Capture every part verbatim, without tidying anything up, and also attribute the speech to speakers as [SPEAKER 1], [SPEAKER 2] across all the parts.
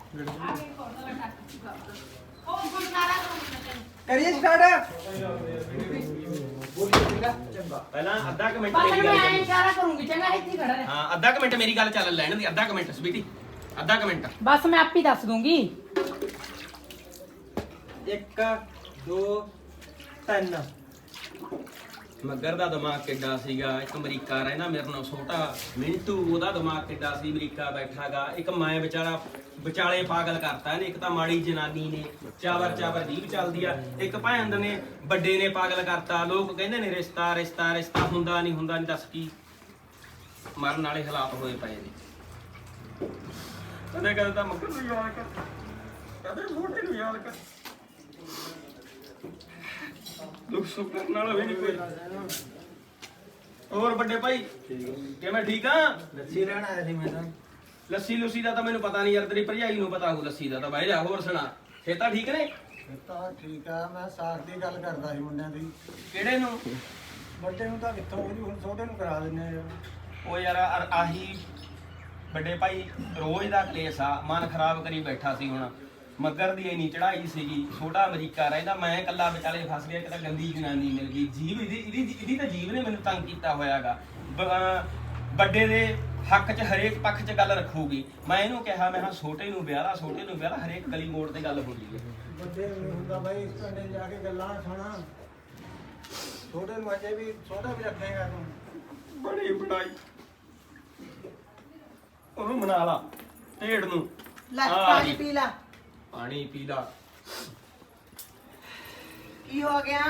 [SPEAKER 1] करिए स्टार्ट
[SPEAKER 2] ਪਹਿਲਾਂ ਅੱਧਾ ਕੁ ਮਿੰਟ
[SPEAKER 3] ਬਸ
[SPEAKER 2] ਮੇਰੀ
[SPEAKER 3] ਮੈਂ
[SPEAKER 2] ਗੱਲ
[SPEAKER 3] ਐਂ
[SPEAKER 2] ਚੱਲੀ।
[SPEAKER 3] ਇਸ਼ਾਰਾ ਕਰੂੰਗੀ ਚੰਗਾ ਇੱਥੇ ਹੀ ਖੜਾ ਰਹਿ
[SPEAKER 2] ਹਾਂ ਅੱਧਾ ਕੁ ਮਿੰਟ ਮੇਰੀ ਗੱਲ ਚੱਲ ਲੈਣ ਦੀ ਅੱਧਾ ਕੁ ਮਿੰਟ ਸਵੀਟੀ ਅੱਧਾ ਕੁ ਮਿੰਟ
[SPEAKER 3] ਬਸ ਮੈਂ ਆਪੇ ਦੱਸ ਦੂੰਗੀ
[SPEAKER 1] एक दो तीन
[SPEAKER 2] ਮੱਗਰ ਦਾ ਦਿਮਾਗ ਕਿੱਡਾ ਸੀਗਾ ਇੱਕ ਅਮਰੀਕਾ ਰਹਿਣਾ ਮੇਰੇ ਨਾਲ ਛੋਟਾ ਮਿੰਟੂ ਉਹਦਾ ਦਿਮਾਗ ਕਿੱਡਾ ਸੀ ਅਮਰੀਕਾ ਬੈਠਾਗਾ ਇੱਕ ਮੈਂ ਵਿਚਾਰਾ ਵਿਚਾਲੇ ਪਾਗਲ ਕਰਤਾ ਇਹਨੇ ਇੱਕ ਤਾਂ ਮਾੜੀ ਜਨਾਨੀ ਨੇ ਚਾਵਰ ਚਾਵਰ ਜੀਭ ਚੱਲਦੀ ਆ ਇੱਕ ਭੈਣ ਨੇ ਵੱਡੇ ਨੇ ਪਾਗਲ ਕਰਤਾ ਲੋਕ ਕਹਿੰਦੇ ਨੇ ਰਿਸ਼ਤਾ ਰਿਸ਼ਤਾ ਰਿਸ਼ਤਾ ਹੁੰਦਾ ਨਹੀਂ ਹੁੰਦਾ ਨਹੀਂ ਦੱਸ ਕੀ ਮਰਨ ਵਾਲੇ ਹਾਲਾਤ ਹੋਏ ਪਏ ਨੇ ਕਦੇ ਕਦੇ ਤਾਂ ਮੱਗਰ ਨੂੰ ਯਾਦ ਕਰ ਕਦੇ ਛੋਟੇ ਨੂੰ ਯਾਦ ਕਰ ਦੁੱਖ ਸੁੱਖ ਕਰਨ ਵਾਲਾ ਵੀ ਨਹੀਂ ਕੋਈ ਹੋਰ ਵੱਡੇ ਭਾਈ ਕਿਵੇਂ ਠੀਕ ਆ
[SPEAKER 1] लस्सी लेना आया थी मैं तो
[SPEAKER 2] ਲੱਸੀ ਲੁੱਸੀ ਦਾ ਤਾਂ ਮੈਨੂੰ ਪਤਾ ਨਹੀਂ ਯਾਰ ਤੇਰੀ ਭਰਜਾਈ ਨੂੰ ਪਤਾ ਹੋਊ ਲੱਸੀ ਦਾ ਤਾਂ ਬਾਈ ਜਾ ਹੋਰ ਸੁਣਾ ਖੇਤਾ ਠੀਕ ਨੇ
[SPEAKER 4] ਤਾਂ ਠੀਕ ਆ ਮੈਂ ਸਾਖ ਦੀ ਗੱਲ ਕਰਦਾ ਸੀ ਮੁੰਡਿਆਂ ਦੀ
[SPEAKER 2] ਕਿਹੜੇ ਨੂੰ
[SPEAKER 4] ਵੱਡੇ ਨੂੰ ਤਾਂ ਕਿੱਥੋਂ ਉਹਦੀ ਹੁਣ ਛੋਟੇ ਨੂੰ ਕਰਾ ਦਿੰਨੇ ਆ ਯਾਰ
[SPEAKER 2] ਉਹ ਯਾਰ ਆ- ਆਹੀ ਵੱਡੇ ਭਾਈ ਰੋਜ਼ ਦਾ ਕਲੇਸ਼ ਆ ਮਨ ਖਰਾਬ ਕਰੀ ਬੈਠਾ ਸੀ ਹੁਣ ਮੱਗਰ ਦੀ ਇੰਨੀ ਚੜਾਈ ਸੀਗੀ ਛੋਟਾ ਅਮਰੀਕਾ ਰਹਿੰਦਾ ਮੈਂ ਇਕੱਲਾ ਵਿਚਾਲੇ ਫਸ ਗਿਆ ਕਿ ਤਾਂ ਗੰਦੀ ਜਨਾਨੀ ਮਿਲ ਗਈ ਜੀਵ ਇਹਦੀ ਇਹਦੀ ਇਹਦੀ ਤਾਂ ਜੀਵ ਨੇ ਮੈਨੂੰ ਤੰਗ ਕੀਤਾ ਹੋਇਆਗਾ ਵੱਡੇ ਦੇ ਹੱਕ 'ਚ ਹਰੇਕ ਪੱਖ 'ਚ ਗੱਲ ਰੱਖੂਗੀ ਮੈਂ ਇਹਨੂੰ ਕਿਹਾ ਮੈਂ ਹਾਂ ਛੋਟੇ ਨੂੰ ਵਿਆਹ ਲਾ ਛੋਟੇ ਨੂੰ ਵਿਆਹ ਲਾ ਹਰੇਕ ਗਲੀ ਮੋੜ ਤੇ ਗੱਲ ਹੁੰਦੀ ਹੈ
[SPEAKER 4] ਵੱਡੇ ਨੂੰ ਹੁੰਦਾ ਬਾਈ ਇਸ ਪਿੰਡੇ ਜਾ ਕੇ ਗੱਲਾਂ ਸੁਣਾ ਛੋਟੇ ਨੂੰ ਅਜੇ ਵੀ ਛੋਟਾ ਵੀ ਰੱਖੇਗਾ ਤੂੰ
[SPEAKER 2] ਬੜੀ ਬੜਾਈ ਉਹਨੂੰ ਮਨਾ ਲਾ ਢੇੜ ਨੂੰ
[SPEAKER 1] ला
[SPEAKER 2] हाँ,
[SPEAKER 1] पानी
[SPEAKER 2] जी।
[SPEAKER 1] पी ला
[SPEAKER 2] ਪਾਣੀ ਪੀ ਲਾ
[SPEAKER 1] की हो गया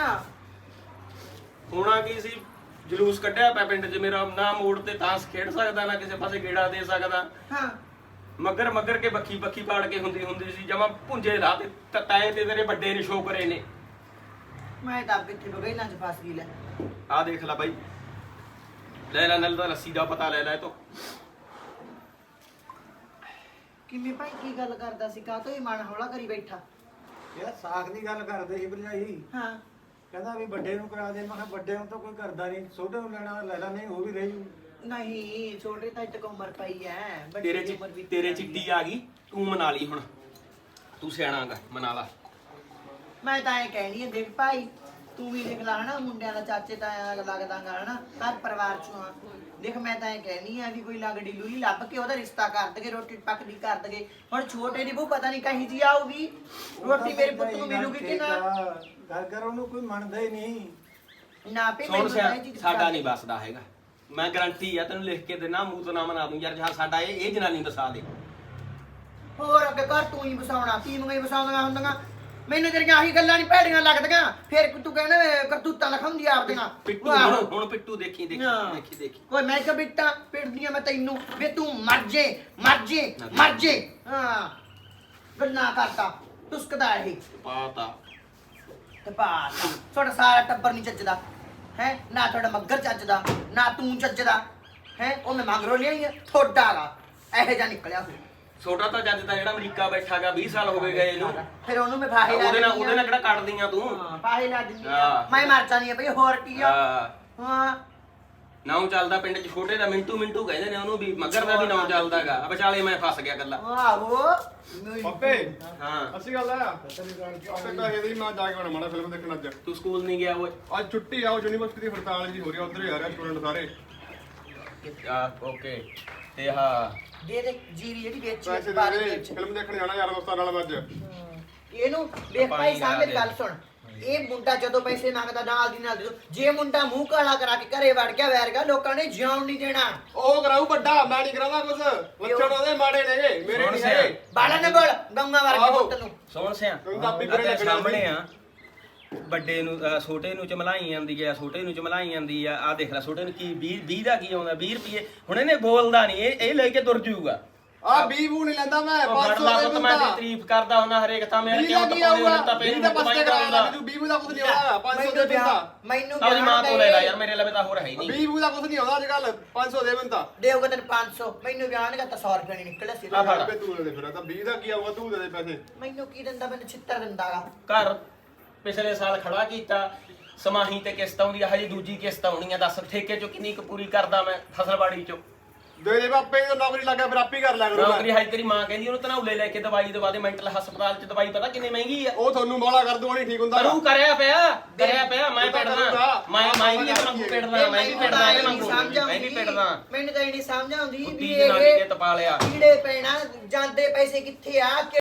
[SPEAKER 2] ਹੋਣਾ ਕੀ ਸੀ ਜਲੂਸ ਕੱਢਿਆ ਪਿਆ ਪਿੰਡ 'ਚ ਮੇਰਾ ਨਾ ਮੋੜ ਤੇ ਤਾਂਸ ਖੇਡ ਸਕਦਾ ਨਾ ਕਿਸੇ ਪਾਸੇ ਗੇੜਾ ਦੇ ਸਕਦਾ
[SPEAKER 1] हाँ
[SPEAKER 2] ਮਗਰ ਮਗਰ ਕੇ ਬੱਖੀ ਬੱਖੀ ਪਾੜ ਕੇ ਹੁੰਦੀ ਹੁੰਦੀ ਸੀ ਜਮਾ ਭੁੰਜੇ ਰਾਹ ਤੇ ਤ- ਤਾਏ ਤੇ ਤੇਰੇ ਵੱਡੇ ਨੇ ਸ਼ੋਕਰੇ ਨੇ
[SPEAKER 1] मैं तो अब कितने बगैर ना फंस गई ले
[SPEAKER 2] ਆਹ ਦੇਖ ਲੈ ਬਾਈ ਲੈ ਲੈ ਨਲ ਦਾ ਲੱਸੀ ਦਾ ਪਤਾ ਲੈ ਲੈ ਤੋ
[SPEAKER 1] किमें भाई की गल करदा सी का तो मन हौला करी बैठा
[SPEAKER 4] ਯਾਰ ਸਾਖ ਦੀ ਗੱਲ ਕਰਦੇ ਸੀ ਭਰਜਾਈ
[SPEAKER 1] हाँ
[SPEAKER 4] ਕਹਿੰਦਾ ਵੀ ਵੱਡੇ ਨੂੰ ਕਰਾ ਦੇ ਮੈਂ ਕਿਹਾ ਵੱਡੇ ਨੂੰ ਤਾਂ ਕੋਈ ਕਰਦਾ ਨਹੀਂ ਛੋਟੇ ਨੂੰ ਲੈਣਾ ਲੈ ਲੈ ਨਹੀਂ ਉਹ ਵੀ ਰਹਿ ਜੂ
[SPEAKER 1] नहीं छोटे तक तक उम्र पई है बड़ी
[SPEAKER 2] ਤੇਰੇ
[SPEAKER 1] उम्र भी
[SPEAKER 2] ਚ ਤੇਰੇ ਚਿੱਟੀ ਆ ਗਈ ਤੂੰ ਮਨਾ ਲਈ ਹੁਣ ਤੂੰ ਸਿਆਣਾਗਾ ਮਨਾ ਲਾ
[SPEAKER 1] मैं तो ऐ कहनी है देख भाई तू भी देख ला है ना मुंडिया का चाचे ताया लगदा गा है ना घर परिवार चों आ देख मैं तो ऐ कहनी है भी कोई लगड़ी लूली ਲੱਭ ਕੇ ਉਹਦਾ ਰਿਸ਼ਤਾ ਕਰ ਦਗੇ ਰੋਟੀ ਪੱਕਦੀ ਕਰ ਦਗੇ ਹੁਣ ਛੋਟੇ ਦੀ ਬਹੂ ਪਤਾ ਨਹੀਂ ਕਹੀ ਜੀ ਆਊਗੀ ਰੋਟੀ ਮੇਰੇ ਪੁੱਤ ਨੂੰ ਮਿਲੂਗੀ ਕਿ ਨਾ
[SPEAKER 4] ਘਰ ਘਰ ਉਹਨੂੰ ਕੋਈ ਮੰਨਦਾ ਹੀ ਨਹੀਂ
[SPEAKER 1] ਨਾ ਪੇ
[SPEAKER 2] ਸੁਣ
[SPEAKER 1] ਮੈਨੂੰ
[SPEAKER 2] ਸਿਆ
[SPEAKER 1] ਤਾਂ ਇਹ ਚੀਜ਼
[SPEAKER 2] ਸਾਡਾ ਨਹੀਂ ਬਸਦਾ ਹੈਗਾ ਮੈਂ ਗਰੰਟੀ ਆ ਤੈਨੂੰ ਲਿਖ ਕੇ ਦੇਣਾ ਮੂੰਹ ਤੋਂ ਨਾ ਮਨਾ ਦੂੰ ਯਾਰ ਜਹਾਂ ਸਾਡਾ ਇਹ ਇਹ ਜਨਾਨੀ ਬਸਾ ਦੇ
[SPEAKER 1] ਹੋਰ ਅੱਗੇ ਘਰ ਤੂੰ ਹੀ ਵਸਾਉਣਾ ਤੀਵੀਆਂ ਹੀ ਵਸਾਉਂਦੀਆਂ ਹੁੰਦੀਆਂ ਮੈਨੂੰ ਤੇਰੀਆਂ ਆਹੀ ਗੱਲਾਂ ਨਹੀਂ ਭੈੜੀਆਂ ਲੱਗਦੀਆਂ ਫਿਰ ਤੂੰ ਕਹਿੰਦਾ ਕਰਤੂਤਾਂ ਲਖਾਉਂਦੀ ਆਪਦੀਆਂ
[SPEAKER 2] ਪਿੱਟੂ
[SPEAKER 1] ਆਹੋ।
[SPEAKER 2] ਹੁਣ ਹੁਣ ਪਿੱਟੂ ਦੇਖੀ ਦੇਖੀ
[SPEAKER 1] ਹਾਂ।
[SPEAKER 2] ਦੇਖੀ ਦੇਖੀ
[SPEAKER 1] ਓਏ ਮੈਂ ਕਿ ਬਿੱਟਾ ਪਿੜਦੀਆਂ ਮੈਂ ਤੈਨੂੰ ਵੇ ਤੂੰ ਮਰ ਜੇ ਮਰ ਜੇ ਮਰ ਜੇ ਹਾਂ ਗੱਲਾਂ ਕਰਦਾ ਤੁਸਕਦਾ ਇਹ
[SPEAKER 2] ਪਾਤਾ
[SPEAKER 1] ਤੇ ਬਾਤ ਤੁਹਾਡਾ ਸਾਰਾ ਟੱਬਰ ਨਹੀਂ ਚੱਜਦਾ ਹੈ ਨਾ ਤੁਹਾਡਾ ਮੱਗਰ ਚੱਜਦਾ ਨਾ ਤੂੰ ਚੱਜਦਾ ਹੈ ਉਹ ਮੈਂ ਮੰਗਰੋ ਲਿਆਈ ਆ ਥੋੜਾ ਗਾ ਇਹੋ ਜਿਹਾ ਨਿਕਲਿਆ ਹੋਇਆ
[SPEAKER 2] ਛੋਟਾ ਤਾਂ ਜੱਜ ਦਾ ਜਿਹੜਾ ਅਮਰੀਕਾ ਬੈਠਾਗਾ ਵੀਹ ਸਾਲ ਹੋ ਗਏ ਗਏ ਇਹਨੂੰ
[SPEAKER 1] ਫਿਰ ਉਹਨੂੰ ਮੈਂ ਫਾਹੇ ਲਾ
[SPEAKER 2] ਉਹਦੇ ਨਾਲ
[SPEAKER 1] ਦਿੰਦੀ
[SPEAKER 2] ਉਹਦੇ ਨਾਲ
[SPEAKER 1] ਆ।
[SPEAKER 2] ਕਿਹੜਾ ਕੱਢਦੀਆਂ ਤੂੰ
[SPEAKER 1] ਹਾਂ ਫਾਹੇ ਲਾ ਦਿੰਦੀ ਆ
[SPEAKER 2] ਹਾਂ।
[SPEAKER 1] ਮੈਂ ਮਰ ਜਾਣੀ ਆ ਭਈ ਹੋਰ ਕੀ ਆ
[SPEAKER 2] ਹਾਂ
[SPEAKER 1] ਹਾਂ
[SPEAKER 2] ਨਾਉ ਚੱਲਦਾ ਪਿੰਡ 'ਚ ਛੋਟੇ ਦਾ ਮਿੰਟੂ ਮਿੰਟੂ ਕਹਿੰਦੇ ਨੇ ਉਹਨੂੰ ਵੀ ਮੱਗਰ ਦਾ ਵੀ ਨਾਉ ਚੱਲਦਾਗਾ ਵਿਚਾਲੇ ਮੈਂ ਫਸ ਗਿਆ ਗੱਲਾਂ
[SPEAKER 1] ਆਹੋ
[SPEAKER 5] ਪੱਪੇ
[SPEAKER 2] ਹਾਂ
[SPEAKER 5] ਅਸੀਂ ਗੱਲ ਆ ਆਪੇ ਕਹੇ ਦੀ ਮੈਂ ਜਾ ਕੇ ਆਉਣਾ ਮਾੜਾ ਫਿਲਮ ਦੇਖਣ ਅੱਜ
[SPEAKER 2] ਤੂੰ ਸਕੂਲ ਨਹੀਂ ਗਿਆ ਓਏ
[SPEAKER 5] ਅੱਜ ਛੁੱਟੀ ਆ ਉਹ ਯੂਨੀਵਰਸਿਟੀ ਦੀ ਹੜਤਾਲ ਜੀ ਹੋ ਰਹੀ ਆ ਉਧਰ ਹੀ ਆ ਰਿਹਾ ਸਟੂਡੈਂਟ ਸਾਰੇ
[SPEAKER 2] ਆ ਓਕੇ ਤੇ ਹਾਂ
[SPEAKER 1] ਦੇ ਦੇ ਜੀਰੀ ਜਿਹੜੀ
[SPEAKER 5] ਪੈਸੇ
[SPEAKER 1] ਵੇਚੀ
[SPEAKER 5] ਦੇ
[SPEAKER 1] ਬਾਰੇ
[SPEAKER 5] ਦੇ
[SPEAKER 1] ਵੇਚ
[SPEAKER 5] ਫਿਲਮ ਦੇਖਣ ਜਾਣਾ ਯਾਰ ਦੋਸਤਾਂ ਨਾਲ ਮੈਂ ਅੱਜ
[SPEAKER 1] ਇਹਨੂੰ ਵੇਖ ਭਾਈ ਸਾਹਮਣੇ ਮੇਰੀ ਗੱਲ ਸੁਣ ਇਹ ਮੁੰਡਾ ਜਦੋਂ ਪੈਸੇ ਮੰਗਦਾ ਨਾਲ ਦੀ ਨਾਲ ਦੇ ਦਿਓ। ਜੇ ਮੁੰਡਾ ਮੂੰਹ ਕਾਲਾ ਕਰਾ ਕੇ ਘਰੇ ਵੜ ਗਿਆ ਵੈਰਗਾ ਲੋਕਾਂ ਨੇ ਜਿਉਣ ਨਹੀਂ ਦੇਣਾ
[SPEAKER 5] ਉਹ ਕਰਾਊ ਵੱਡਾ ਮੈਂ ਨਹੀਂ ਕਰਾਉਂਦਾ ਕੁਝ ਲੱਛਣ ਉਹਦੇ ਮਾੜੇ ਨੇਗੇ ਮੇਰੇ ਨਹੀਂ ਹੈਗੇ
[SPEAKER 1] ਬਾਲਾ ਨਾ ਬੋਲ ਗੰਗਾ ਵਰਗੇ
[SPEAKER 5] ਆਹੋ।
[SPEAKER 1] ਪੁੱਤ ਨੂੰ
[SPEAKER 2] ਸੁਣ ਸਿਆ
[SPEAKER 5] ਤੈਨੂੰ ਤਾਂ ਆਪੇ
[SPEAKER 2] ਆ ਤੇਰੇ
[SPEAKER 5] ਬੁਰੇ ਲੱਗਣੇ
[SPEAKER 2] ਸਾਹਮਣੇ ਆ ਵੱਡੇ ਨੂੰ ਅਹ ਛੋਟੇ ਨੂੰ ਚਮਲਾਈ ਜਾਂਦੀ ਆ ਛੋਟੇ ਨੂੰ ਚਮਲਾਈ ਜਾਂਦੀ ਆ ਆ ਦੇਖ ਲੈ ਛੋਟੇ ਨੂੰ ਕੀ ਵੀਹ ਵੀਹ ਦਾ ਕੀ ਆਉਂਦਾ ਵੀਹ ਰੁਪਏ ਹੁਣ ਇਹਨੇ ਬੋਲਦਾ ਨਹੀਂ ਇਹ ਇਹ ਲੈ ਕੇ ਤੁਰ ਜਾਊਗਾ
[SPEAKER 5] ਆ ਬੀ ਬੂ ਨਹੀਂ ਲੈਂਦਾ ਮੈਂ
[SPEAKER 2] ਉਹ
[SPEAKER 5] ਪੰਜ
[SPEAKER 2] ਫੜ
[SPEAKER 5] ਸੌ
[SPEAKER 2] ਲਾ
[SPEAKER 5] ਦੇ
[SPEAKER 2] ਪੁੱਤ ਮੈਂ
[SPEAKER 5] ਬੰਦਾ
[SPEAKER 2] ਤੇਰੀ ਤਾਰੀਫ ਕਰਦਾ ਹੁੰਦਾ ਹਰੇਕ ਥਾਂ ਮੇਰੇ
[SPEAKER 5] ਵੀਹ
[SPEAKER 2] ਕਿਉਂ
[SPEAKER 5] ਦਾ ਕੀ
[SPEAKER 2] ਟਪਾਉਂਦੇ
[SPEAKER 5] ਆਊਗਾ
[SPEAKER 2] ਹੋ ਤਾਂ
[SPEAKER 5] ਵੀਹ
[SPEAKER 2] ਪੇਨ
[SPEAKER 5] ਦਾ
[SPEAKER 2] ਨੂੰ
[SPEAKER 5] ਪਸਤੇ ਕਰਾਉਂਦਾ ਤੂੰ ਬੀ ਬੂ ਦਾ ਕੁਝ ਨਹੀਂ ਆਉਂਦਾ ਪੰਜ ਸੌ ਦੇ ਬੰਦਾ
[SPEAKER 1] ਮੈਨੂੰ
[SPEAKER 2] ਆਪਣੀ ਮਾਂ ਤੋਂ ਲੈ ਲੈ ਯਾਰ ਮੇਰੇ ਲਵੇ ਤਾਂ ਹੋਰ ਹੈ ਹੀ ਨਹੀਂ
[SPEAKER 5] ਬੀ ਬੂ ਦਾ ਕੁਝ ਨਹੀਂ ਆਉਂਦਾ ਅੱਜ ਕੱਲ ਪੰਜ ਸੌ ਦੇ ਬੰਦਾ
[SPEAKER 1] ਦੇਊਗਾ ਤੈਨੂੰ ਪੰਜ ਸੌ ਮੈਨੂੰ ਵਿਆਹਣਗਾ ਤਾਂ ਸੌ ਰੁਪਏ ਨਹੀਂ ਨਿਕਲਿਆ ਸੀ
[SPEAKER 2] ਆ ਫੜ।
[SPEAKER 5] ਆਪੇ ਤੂੰ ਦੇ ਫਿਰ ਤਾਂ ਵੀਹ ਦਾ ਕੀ ਆਊਗਾ ਤੂੰ ਦੇ ਦੇ ਪੈਸੇ
[SPEAKER 1] ਮੈਨੂੰ ਕੀ ਦਿੰਦਾ ਮੈਨੂੰ ਛਿੱਤਰ ਦਿੰਦਾਗਾ
[SPEAKER 2] ਘਰ ਪਿਛਲੇ ਸਾਲ ਖੜਾ ਕੀਤਾ ਸਮਾਹੀ ਤੇ ਕਿਸ਼ਤ ਆਉਂਦੀ ਆ ਹਜੇ ਦੂਜੀ ਕਿਸ਼ਤ ਆਉਣੀ ਆ ਦੱਸ ਠੇਕੇ ਚੋਂ ਕਿੰਨੀ ਕੁ ਪੂਰੀ ਕਰਦਾ ਮੈਂ ਫਸਲਬਾੜੀ ਚੋਂ
[SPEAKER 5] ਦੇ ਦੇ ਬਾਪੇ ਨੂੰ ਨੌਕਰੀ ਲੱਗਾ ਫਿਰ ਆਪੇ ਕਰ ਲਿਆ ਕਰੂੰ
[SPEAKER 2] ਨੌਕਰੀ ਹਾਈ ਤੇਰੀ ਮਾਂ ਕਹਿੰਦੀ ਉਹਨੂੰ ਤਨਾਉਲੇ ਲੈ ਕੇ ਦਵਾਈ ਦਵਾ ਦੇ ਮੈਂਟਲ ਹਸਪਤਾਲ ਚ ਦਵਾਈ ਪਤਾ ਕਿੰਨੀ ਮਹਿੰਗੀ ਆ
[SPEAKER 5] ਉਹ ਤੁਹਾਨੂੰ ਮੌਲਾ ਕਰ ਦੂ ਨਹੀਂ ਠੀਕ ਹੁੰਦਾ
[SPEAKER 2] ਕਰੂ ਕਰਿਆ ਪਿਆ ਕਰਿਆ ਪਿਆ ਮੈਂ
[SPEAKER 5] ਉਹ ਤਾਂ
[SPEAKER 2] ਪਿੜਦਾ
[SPEAKER 5] ਕਰੂਗਾ।
[SPEAKER 2] ਮੈਂ ਮੈਂ ਵੀ ਇਹਦੇ ਵਾਂਗੂ ਪਿੜਦਾ ਮੈਂ ਵੀ ਪਿੜਦਾ ਇਹਦੇ ਵਾਂਗੂ ਮੈਂ ਵੀ ਪਿੜਦਾ
[SPEAKER 1] ਮੈਨੂੰ ਤਾਂ ਇਹ ਨਹੀਂ ਸਮਝ ਆਉਂਦੀ ਵੀ
[SPEAKER 2] ਕੁੱਤੀ ਜਨਾਨੀ ਨੇ
[SPEAKER 1] ਇਹ
[SPEAKER 2] ਤਪਾ ਲਿਆ
[SPEAKER 1] ਕੀੜੇ ਪੈਣਾ ਜਾਂਦੇ ਪੈਸੇ ਕਿੱਥੇ ਆ